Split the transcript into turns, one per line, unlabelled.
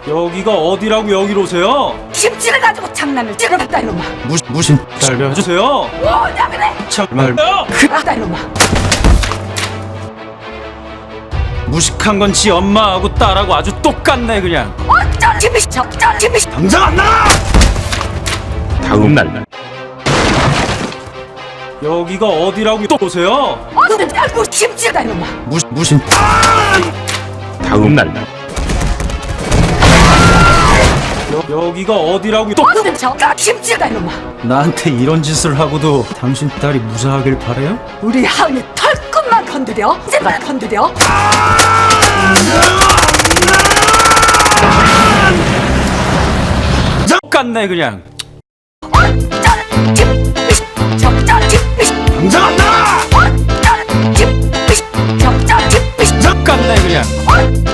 여기가 어디라고 여기로 오세요?
김치를 가지고 장난을 찌르겠다 이놈아.
무슨 살려주세요.
뭐냐 그래?
정말
그렇다 이놈아.
무식한 건 지 엄마하고 딸하고 아주 똑같네 그냥.
어쩔 집이 적절 집이
당장 안 나가!
다음 날
여기가 어디라고 또 오세요?
어느 알고 김치다 이놈아.
무슨
다음 날
여기가 어디라고 또
어느 적절 김치다 이놈아.
나한테 이런 짓을 하고도 당신 딸이 무사하길 바래요?
우리 하은이 털끝만 건드려. 제발 건드려.
똑같네 그냥.
어쩔 집이 적절 집이
당장 안 나가!
어쩔 집이 적절 집이
똑같네 그냥.
어쩔